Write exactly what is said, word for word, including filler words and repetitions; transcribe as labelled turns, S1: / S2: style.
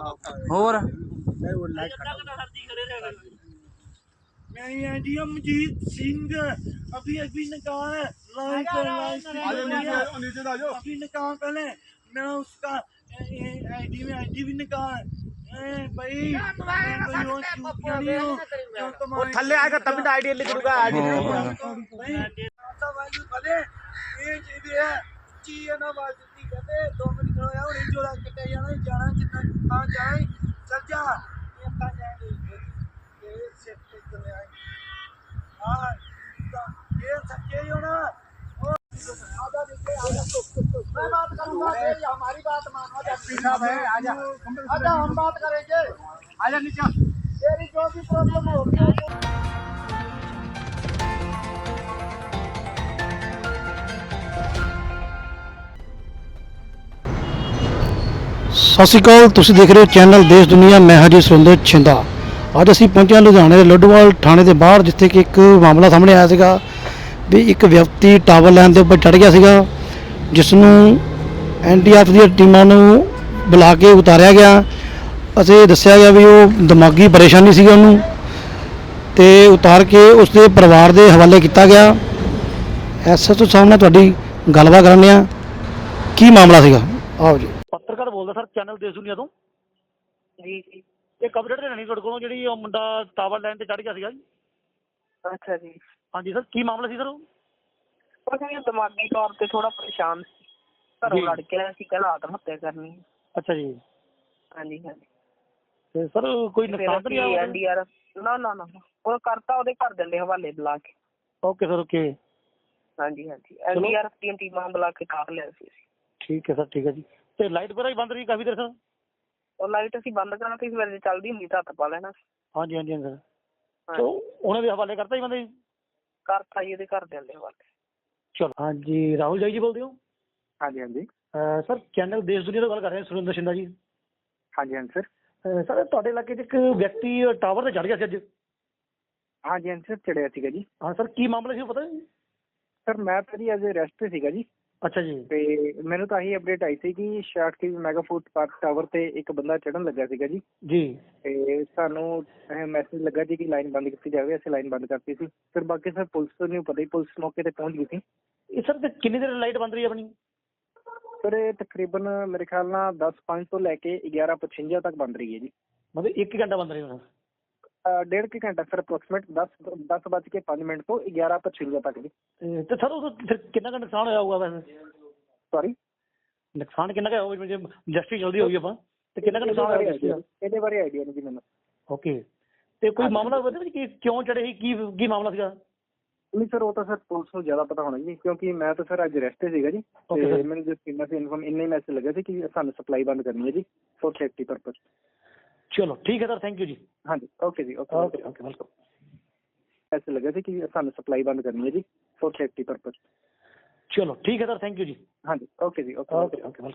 S1: ਹੋਰ
S2: मैं मजीद सिंह अभी अभी निकाल लाइक अभी निकाल पहले मैं उसका आईडी में आईडी भी निकाल भाई
S3: वो थल्ले आएगा तभी ना आईडी लिख दूंगा आईडी
S2: ना बाजी कहते दो मिनट होया हुणे जोड़ा कट्टे जाना जाना जिन्ना हां जाए चल जा ये ता जाए ये सेट कर ले आए हां ये सच्चे हो ना आजा नीचे आजा मैं बात करूंगा ये हमारी बात मानो जस्टिस साहब है आजा आजा हम बात करेंगे आजा नीचे तेरी जो भी प्रॉब्लम हो
S4: ਸਤਿ ਸ਼੍ਰੀ ਅਕਾਲ। ਤੁਸੀਂ ਦੇਖ ਰਹੇ ਹੋ ਚੈਨਲ ਦੇਸ਼ ਦੁਨੀਆ। ਮੈਂ ਹਾਂ ਜੀ ਸੁਰਿੰਦਰ ਛਿੰਦਾ। ਅੱਜ ਅਸੀਂ ਪਹੁੰਚੇ ਹਾਂ ਲੁਧਿਆਣੇ ਦੇ ਲੱਡੂਵਾਲ ਥਾਣੇ ਦੇ ਬਾਹਰ, ਜਿੱਥੇ ਕਿ ਇੱਕ ਮਾਮਲਾ ਸਾਹਮਣੇ ਆਇਆ ਸੀਗਾ ਵੀ ਇੱਕ ਵਿਅਕਤੀ ਟਾਵਰ ਲਾਈਨ ਦੇ ਉੱਪਰ ਚੜ੍ਹ ਗਿਆ ਸੀਗਾ, ਜਿਸ ਨੂੰ ਐਨ ਡੀ ਆਰ ਐਫ ਦੀਆਂ ਟੀਮਾਂ ਨੂੰ ਬੁਲਾ ਕੇ ਉਤਾਰਿਆ ਗਿਆ ਅਤੇ ਦੱਸਿਆ ਗਿਆ ਵੀ ਉਹ ਦਿਮਾਗੀ ਪਰੇਸ਼ਾਨੀ ਸੀਗੀ ਉਹਨੂੰ, ਅਤੇ ਉਤਾਰ ਕੇ ਉਸਦੇ ਪਰਿਵਾਰ ਦੇ ਹਵਾਲੇ ਕੀਤਾ ਗਿਆ। ਐਸ ਐਚ ਓ ਸਾਹਿਬ ਨਾਲ ਤੁਹਾਡੀ ਗੱਲਬਾਤ ਕਰਾਂਗੇ ਆ, ਕੀ ਮਾਮਲਾ ਸੀਗਾ। ਆਓ ਜੀ।
S3: ਪੱਤਰਕਾਰ ਬੋਲਦਾ ਸਰ, ਚੈਨਲ ਦੇਸ਼ ਦੁਨੀਆ ਤੋਂ
S5: ਜੀ ਜੀ।
S3: ਇਹ ਕੰਪਲੇਂਟ ਲੈਣੀ ਤੁਹਾਡੇ ਕੋਲੋਂ, ਜਿਹੜੀ ਉਹ ਮੁੰਡਾ ਟਾਵਰ ਲਾਈਨ ਤੇ ਚੜ੍ਹ ਗਿਆ ਸੀਗਾ ਜੀ।
S5: ਅੱਛਾ ਜੀ।
S3: ਹਾਂਜੀ ਸਰ, ਕੀ ਮਾਮਲਾ ਸੀ ਸਰ? ਉਹ
S5: ਕੁਛ ਨਹੀਂ, ਦਿਮਾਗੀ ਤੌਰ ਤੇ ਥੋੜਾ ਪਰੇਸ਼ਾਨ ਸੀ, ਘਰੋਂ ਲੜ ਕੇ ਆਇਆ ਸੀ, ਕਹਿੰਦਾ ਆਤਮ ਹੱਤਿਆ ਕਰਨੀ ਹੈ।
S3: ਅੱਛਾ ਜੀ।
S5: ਹਾਂਜੀ ਹਾਂਜੀ।
S3: ਤੇ ਸਰ ਕੋਈ ਨੁਕਸਾਨ ਤਾਂ ਨਹੀਂ ਆਇਆ?
S5: ਐਨ ਡੀ ਆਰ ਐਫ ਨਾ ਨਾ ਨਾ ਉਹ ਕਰਤਾ, ਉਹਦੇ ਘਰ ਦੇ ਹਵਾਲੇ ਬੁਲਾ ਕੇ।
S3: Okay sir, okay.
S5: ਹਾਂਜੀ ਹਾਂਜੀ, ਐਨ ਡੀ ਆਰ ਐਫ ਦੀਆਂ ਟੀਮਾਂ ਬੁਲਾ ਕੇ ਤਾਰ ਲਿਆ ਸੀ ਅਸੀਂ।
S3: ਠੀਕ ਹੈ ਸਰ, ਠੀਕ ਹੈ ਜੀ। ਤੇ ਲਾਈਟ ਵਗੈਰਾ ਵੀ ਬੰਦ ਰਹੀ ਕਾਫੀ ਦੇਰ ਸਰ?
S5: ਉਹ ਲਾਈਟ ਅਸੀਂ ਬੰਦ ਕਰਾਤੀ, ਸਵੇਰੇ ਚੱਲਦੀ ਹੁੰਦੀ ਤਾਂ ਹੱਥ ਪਾ ਲੈਣਾ।
S3: ਹਾਂਜੀ ਹਾਂਜੀ ਸਰ। ਚਲੋ ਉਹਨਾਂ ਦੇ ਹਵਾਲੇ ਕਰਤਾ ਜੀ ਬੰਦੇ?
S5: ਕਰਤਾ ਜੀ, ਉਹਦੇ ਘਰ ਦੇ ਹਵਾਲੇ।
S3: ਚਲੋ ਹਾਂਜੀ, ਰਾਹੁਲ ਜਾਈ ਜੀ ਬੋਲਦੇ ਹੋ?
S6: ਹਾਂਜੀ ਹਾਂਜੀ
S3: ਸਰ ਚੈਨਲ ਦੇਸ਼ ਦੁਨੀਆ ਤੋਂ ਗੱਲ ਕਰ ਰਹੇ ਹਾਂ, ਸੁਰਿੰਦਰ ਛਿੰਦਾ ਜੀ।
S6: ਹਾਂਜੀ ਹਾਂਜੀ ਸਰ।
S3: ਸਰ ਤੁਹਾਡੇ ਇਲਾਕੇ 'ਚ ਇੱਕ ਵਿਅਕਤੀ ਟਾਵਰ ਤੇ ਚੜ੍ਹ ਗਿਆ ਸੀ ਅੱਜ।
S6: ਹਾਂਜੀ ਹਾਂਜੀ ਸਰ, ਚੜਿਆ ਸੀਗਾ ਜੀ।
S3: ਹਾਂ ਸਰ, ਕੀ ਮਾਮਲਾ ਸੀ ਉਹ ਪਤਾ ਜੀ?
S6: ਸਰ ਮੈਂ ਤਾਂ ਜੀ ਐਜ਼ ਰੈਸਟ ਤੇ ਸੀਗਾ ਜੀ।
S3: ਅੱਛਾ ਜੀ।
S6: ਤੇ ਮੈਨੂੰ ਤਾਂ ਇਹੀ ਅਪਡੇਟ ਆਈ ਸੀ ਕਿ ਛਿਆਹਠ K V mega food park tower ਤੇ ਇੱਕ ਬੰਦਾ ਚੜ੍ਹਨ ਲੱਗਾ ਸੀਗਾ ਜੀ।
S3: ਜੀ।
S6: ਤੇ ਸਾਨੂੰ ਮੈਸੇਜ ਲੱਗਾ ਜੀ ਕਿ ਲਾਈਨ ਬੰਦ ਕੀਤੀ ਜਾਵੇ, ਅਸੀਂ ਲਾਈਨ ਬੰਦ ਕਰਤੀ ਸੀ। ਫਿਰ ਬਾਕੀ ਸਰ ਪੁਲਿਸ ਨੂੰ ਪਤਾ ਹੀ, ਪੁਲਿਸ ਮੌਕੇ ਤੇ ਪਹੁੰਚ ਗਈ ਸੀ।
S3: ਇਹ ਸਰ ਤੇ ਕਿੰਨੀ ਦੇਰ ਲਾਈਟ ਬੰਦ ਰਹੀ ਆਪਣੀ?
S6: ਸਰ ਇਹ ਤਕਰੀਬਨ ਮੇਰੇ ਖਿਆਲ ਨਾਲ ਦਸ ਪੰਜ ਤੋਂ ਲੈ ਕੇ ਗਿਆਰਾਂ ਪਚਵੰਜਾ ਤੱਕ ਬੰਦ ਰਹੀ ਹੈ ਜੀ।
S3: ਮਤਲਬ ਇੱਕ ਘੰਟਾ ਬੰਦ ਰਹੀ ਹੋਣਾ?
S6: ਡੇਢ ਕੁ ਘੰਟਾ ਸਰ, ਅਪਰੋਕਸੀਮੇਟ ਦਸ ਦਸ ਵੱਜ ਕੇ ਪੰਜ ਮਿੰਟ ਤੋਂ ਗਿਆਰਾਂ ਪਚਵੰਜਾ ਤੱਕ ਜੀ।
S3: ਤੇ ਸਰ ਉਹ ਫਿਰ ਕਿੰਨਾ ਕੁ ਨੁਕਸਾਨ ਹੋਇਆ ਹੋਊਗਾ ਵੈਸੇ?
S6: ਸੌਰੀ,
S3: ਨੁਕਸਾਨ ਕਿੰਨਾ ਕੁ ਹੋਊਗਾ ਜੇ ਇੰਡਸਟਰੀ ਚੱਲਦੀ ਹੋਈ ਆਪਾਂ, ਤੇ ਕਿੰਨਾ ਕੁ ਨੁਕਸਾਨ ਹੋਇਆ?
S6: ਇਹਦੇ ਬਾਰੇ ਆਈਡੀਆ ਨਹੀਂ ਜੀ ਮੈਨੂੰ।
S3: ਓਕੇ। ਤੇ ਕੋਈ ਮਾਮਲਾ ਪਤਾ ਵੀ ਕਿ ਕਿਉਂ ਚੜੇ ਸੀ, ਕੀ ਕੀ ਮਾਮਲਾ ਸੀਗਾ?
S6: ਨਹੀਂ ਸਰ, ਉਹ ਤਾਂ ਸਰ ਪੁਲਿਸ ਨੂੰ ਜ਼ਿਆਦਾ ਪਤਾ ਹੋਣਾ ਜੀ, ਕਿਉਂਕਿ ਮੈਂ ਤਾਂ ਸਰ ਅੱਜ ਰੈਸਟ ਤੇ ਸੀਗਾ ਜੀ। ਤੇ ਮੈਨੂੰ ਜਿਸ ਕਿੰਨਾ ਸੀ ਇਨਫੋਰਮ ਇੰਨਾ ਹੀ ਮੈਸੇਜ ਲੱਗਾ ਸੀ ਕਿ ਸਾਨੂੰ ਸਪਲਾਈ ਬੰਦ ਕਰਨੀ ਹੈ ਜੀ, ਫੋਰ ਸੇਫਟੀ ਪਰਪਸ।
S3: ਚਲੋ ਠੀਕ ਹੈ ਸਰ, ਥੈਂਕ ਯੂ ਜੀ।
S6: ਹਾਂਜੀ ਓਕੇ ਜੀ, okay
S3: okay okay welcome.
S6: Message ਲੱਗਾ ਸੀ ਕਿ ਸਾਨੂੰ ਸਪਲਾਈ ਬੰਦ ਕਰਨੀ ਹੈ ਜੀ, ਫੋਰ ਸੇਫਟੀ ਪਰਪਸ।
S3: ਚਲੋ ਠੀਕ ਹੈ ਸਰ, ਥੈਂਕ ਯੂ ਜੀ।
S6: ਹਾਂਜੀ ਓਕੇ ਜੀ, ਓਕੇ
S3: ਓਕੇ ਓਕੇ ਵੈਲਕਮ।